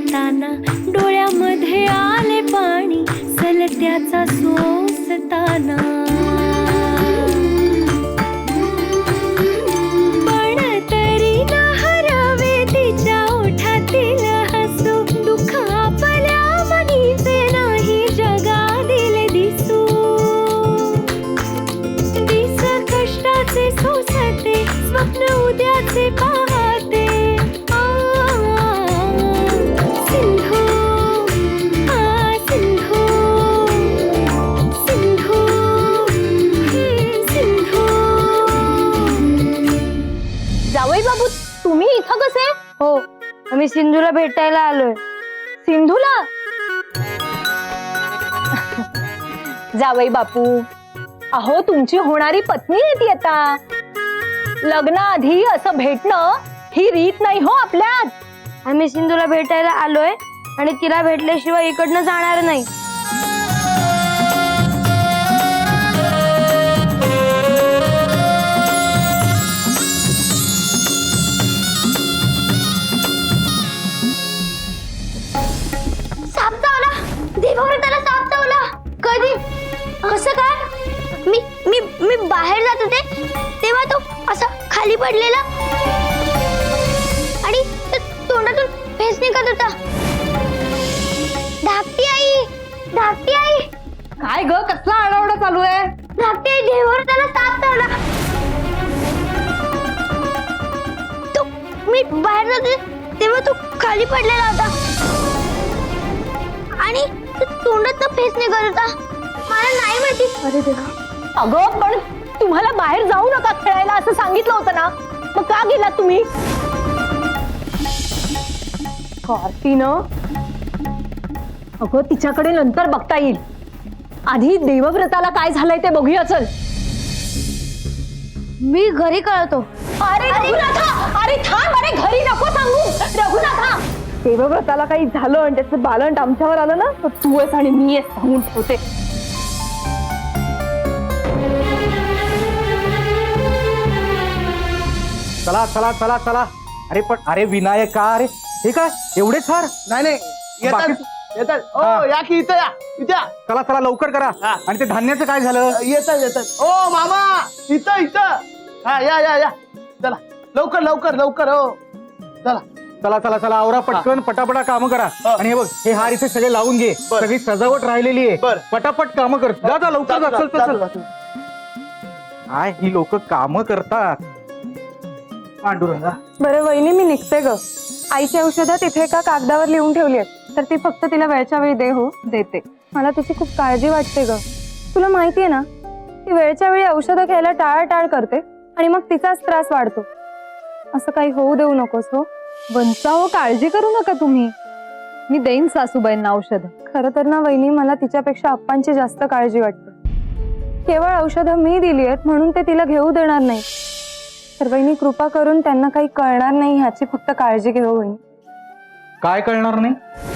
असताना डोळ्यामध्ये आले पाणी सलत्याचा सोसताना पण तरी न हरवे तिच्या ओठातील हसू दुःख आपल्या मनीचे नाही जगातील दिसू दिस कष्टाचे सोसते स्वप्न उद्याचे पाहते सिंधू सिंधू सिंधू सिंधू जावई बाबू तुम्ही इथं कसे? हो आम्ही सिंधूला भेटायला आलोय. सिंधूला? जावई बापू अहो तुमची होणारी पत्नी आहे ती आता. लग्नाआधी असं भेटणं ही रीत नाही हो आपल्यात. आम्ही सिंधूला भेटायला आलोय आणि तिला भेटल्याशिवाय इकडनं जाणार नाही. साप चावला देवावर त्याला साप चावला. कधी कसं काय? मी मी मी बाहेर जात होते तेव्हा तो असा खाली पडलेला आणि तोंडातून फेस निघत होता. धाकटी आई धाकटी आई काय ग कसला आरडाओरडा चालू आहे? धाकटी आई देवावर त्याला साप चावला. तो मी बाहेर जात होते तेव्हा तो खाली पडलेला होता आणि तोंडात फेस निघत होता. मला नाही माहिती. अरे देवा. अगं पण तुम्हाला बाहेर जाऊ नका खेळायला असं सांगितलं होतं ना, मग का गेलात तुम्ही? कार्तीनं अगं तिच्याकडे नंतर बघता येईल. आधी देवव्रताला काय झालंय ते बघूया चल. मी घरी कळतो. अरे रघुनाथा, अरे थांब, अरे घरी नको सांगू रघुनाथा. देवव्रताला काही झालं आणि त्याचं बालंट आमच्यावर आलं ना तर तू आहेस आणि मी आहेस सांगून ठेवते. चला चला चला चला. अरे पण अरे विनायका, अरे हे काय एवढे फार? नाही नाही येतात येतात. ओ या की इथं या इथं या. चला चला लवकर करा. हा. आणि ते धान्याचं काय झालं? येतात येतात. ओ मामा इथं इथं. हा या या या चला लवकर लवकर लवकर. हो चला चला चला चला आवरा पटकन पटापटा काम करा. हा. आणि हे बघ हे हार इथे सगळे लावून घे. बर. सगळी सजावट राहिलेली आहे. बर. पटापट काम कर. जा जा लवकर जा. चल, चल, चल. जातो. काय ही लोक काम करतात. पांडुरंगा बरं वहिनी मी निघते ग. आईची औषधं तिथे एका कागदावर लिहून ठेवली आहेत तर ती फक्त तिला वेळच्या वेळी दे हो देते. मला तिची खूप काळजी वाटते ग. तुला माहितीये ना ती वेळच्या वेळी औषधं घ्यायला टाळाटाळ करते आणि मग तिचाच त्रास वाढतो. असं काही होऊ देऊ नकोस हो. वंसा हो काळजी करू नका तुम्ही, मी देईन सासूबाईंना औषध. खरं तर ना वहिनी मला तिच्यापेक्षा अप्पांची जास्त काळजी वाटते. केवळ औषधं मी दिली आहेत म्हणून ते तिला घेऊ देणार नाही. तर वहिनी कृपा करून त्यांना काही कळणार नाही ह्याची फक्त काळजी घेऊ वहिनी. काय कळणार नाही?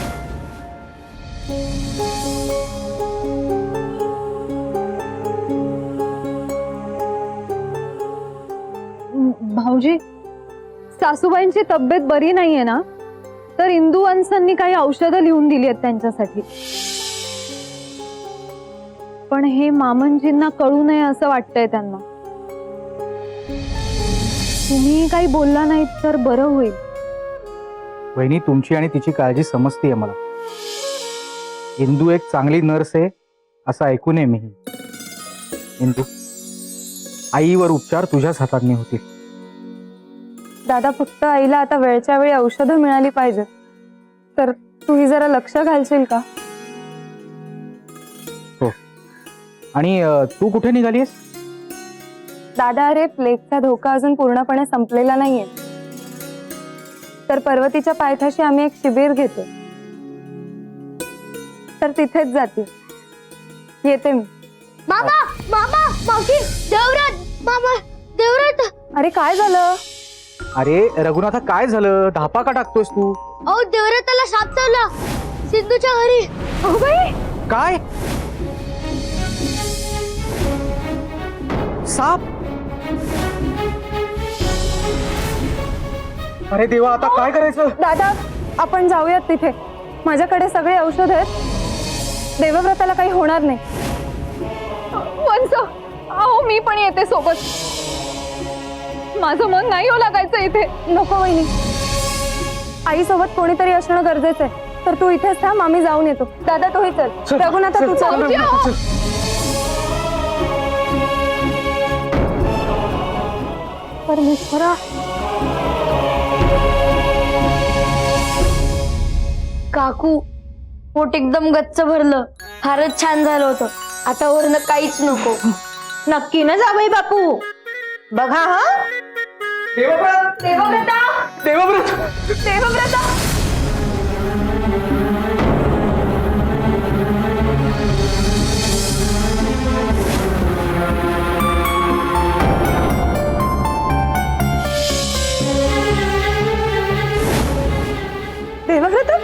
भाऊजी सासूबाईंची तब्येत बरी नाहीये ना, तर इंदू वंसांनी काही औषधं लिहून दिली आहेत त्यांच्यासाठी. पण हे मामनजींना कळू नये असं वाटतंय त्यांना. तुम्ही काही बोलला नाहीत तर बरं होईल. वहिनी तुमची आणि तिची काळजी समजतीये मला. इंदू एक चांगली नर्स आहे असं ऐकून आहे मी. इंदू आईवर उपचार तुझ्याच हाताने होतील. दादा फक्त आईला आता वेळच्या वेळी औषधं मिळाली पाहिजेत. तर तूही जरा लक्ष घालशील का? हो. आणि तू कुठे निघालीस? दादा अरे प्लेगचा धोका अजून पूर्णपणे संपलेला नाहीये. तर पर्वतीच्या पायथ्याशी आम्ही एक शिबिर घेतो तर तिथेच जाते. येते मी. मामा मामा मावशी देवरात मामा देवरात. अरे काय झालं? अरे रघुनाथा काय झालं? धापा का टाकतोयस तू? अहो देवराताला साप चावला सिंधूच्या घरी. अहो बाई काय? साप? अरे देवा आता काय करायचं? दादा आपण जाऊयात तिथे. माझ्याकडे सगळे औषध आहेत. देवव्रताला काही होणार नाही. वंस, अहो मी पण येते सोबत. माझं मन नाही हो लागायचं इथे. नको वहिनी, आई सोबत कोणीतरी असणं गरजेचं आहे. तर तू इथेच थांब, आम्ही जाऊन येतो. दादा तूही चल. रघुनाथा तू चल. भाऊजी, अहो. परमेश्वरा, काकू पोट एकदम गच्च भरलं. फारच छान झालं होतं. आता वरनं काहीच नको. नक्की ना जावई बापू. बघा हा. देवव्रत देवव्रता, देवव्रत देवव्रता. देवव्रत,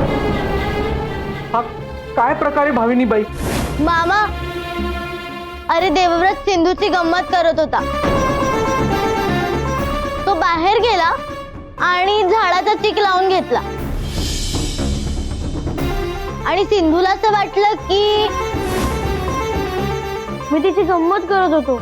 हा काय प्रकारे भाविनी बाई? मामा, अरे देवव्रत सिंधूची गंमत करत होता. तो बाहेर गेला आणि झाडाचा चिक लावून घेतला आणि सिंधूला असं वाटलं की मी तिची गंमत करत होतो.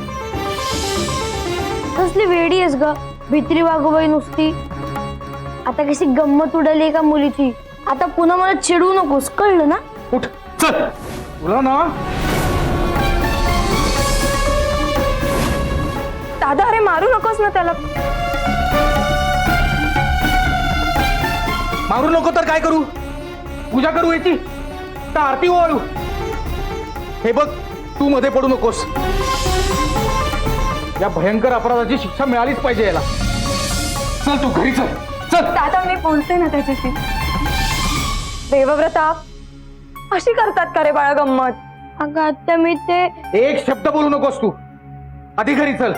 कसली वेडी आहेस ग, भित्री वागोबाई नुसती. आता कशी गंमत उडाली का मुलीची. आता पुन्हा मला चिडू नकोस, कळलं ना. उठ चल. तुला ना दादा अरे मारू नकोस ना त्याला. मारू नको तर काय करू? पूजा करू याची तर आरती ओवाळू? हे बघ, तू मध्ये पडू नकोस. या भयंकर अपराधाची शिक्षा मिळालीच पाहिजे याला. चल तू घरी चल. चल. दादा मी बोलते ना त्याच्याशी. देवव्रता, अशी करतात का रे बाळा गंमत? अगं आता मी ते एक शब्द बोलू नकोस तू. आधी घरी चल.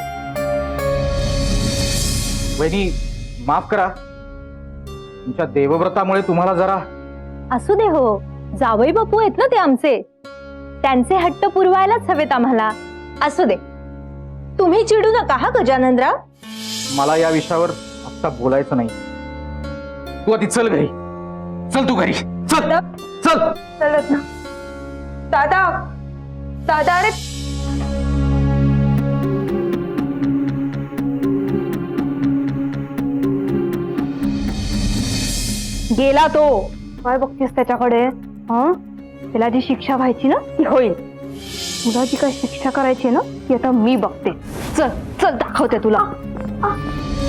वहिनी माफ करा, तुमच्या देवव्रतामुळे तुम्हाला जरा. असू दे हो, जावई बापू आहेत ना ते आमचे. त्यांचे हट्ट पुरवायलाच हवेत आम्हाला. असू दे, तुम्ही चिडू नका हा गजाननराव. मला या विषयावर आता बोलायचं नाही. तू आधी चल घरी. चल तू घरी चल. चल. चलत ना. दादा, दादा अरे गेला तो. काय बघतीस त्याच्याकडे? हं? त्याला जी शिक्षा व्हायची ना ती होईल. तुला जी काय शिक्षा करायची ना ती आता मी बघते. चल चल दाखवते तुला.